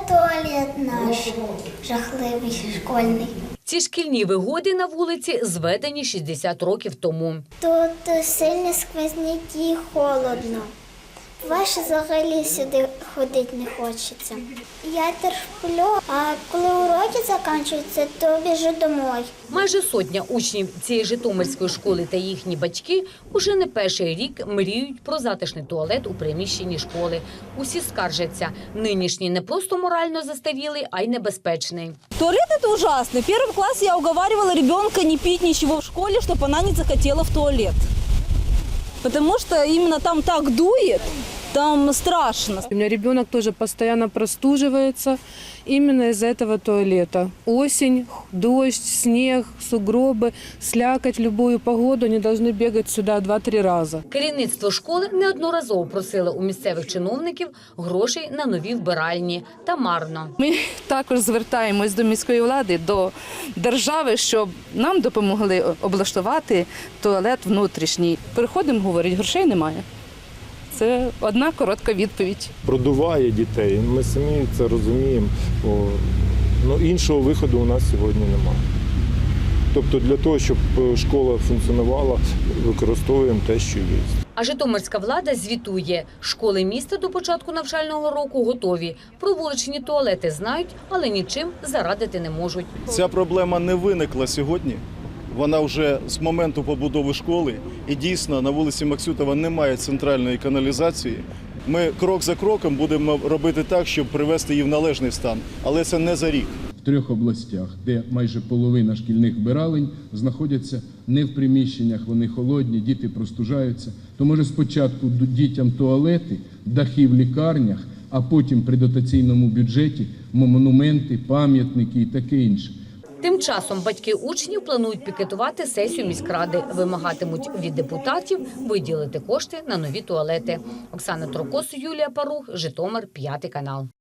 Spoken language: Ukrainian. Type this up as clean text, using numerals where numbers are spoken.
туалет наш жахливий школьний. Ці шкільні вигоди на вулиці зведені 60 років тому. Тут сильні сквозняки, холодно. Ваше взагалі сюди ходити не хочеться. Я терплю, а коли уроки закінчуються, то біжу домой. Майже сотня учнів цієї житомирської школи та їхні батьки уже не перший рік мріють про затишний туалет у приміщенні школи. Усі скаржаться, нинішній не просто морально застарілий, а й небезпечний. Туалет – это ужасно. В первом классе я уговаривала ребенка не пить ничего в школе, чтобы она не захотела в туалет. Потому что именно там так дует, там страшно. У меня ребенок тоже постоянно простуживается именно из-за этого туалета. Осень, дождь, снег, сугробы, слякоть, любую погоду, они должны бегать сюда 2-3 раза. Керівництво школи неодноразово просило у місцевих чиновників грошей на нові вбиральні. Та марно. Ми також звертаємось до міської влади, до держави, щоб нам допомогли облаштувати туалет внутрішній. Приходимо, говорять, грошей немає. Це одна коротка відповідь. Продуває дітей, ми самі це розуміємо. Іншого виходу у нас сьогодні немає. Тобто для того, щоб школа функціонувала, використовуємо те, що є. А житомирська влада звітує, школи міста до початку навчального року готові. Про вуличні туалети знають, але нічим зарадити не можуть. Ця проблема не виникла сьогодні. Вона вже з моменту побудови школи. І дійсно на вулиці Максютова немає центральної каналізації. Ми крок за кроком будемо робити так, щоб привести її в належний стан. Але це не за рік. В 3 областях, де майже половина шкільних вбиралень знаходяться не в приміщеннях, вони холодні, діти простужаються. То може спочатку дітям туалети, дахи в лікарнях, а потім при дотаційному бюджеті монументи, пам'ятники і таке інше. Тим часом батьки учнів планують пікетувати сесію міськради. Вимагатимуть від депутатів виділити кошти на нові туалети. Оксана Трокос, Юлія Парух, Житомир, 5 канал.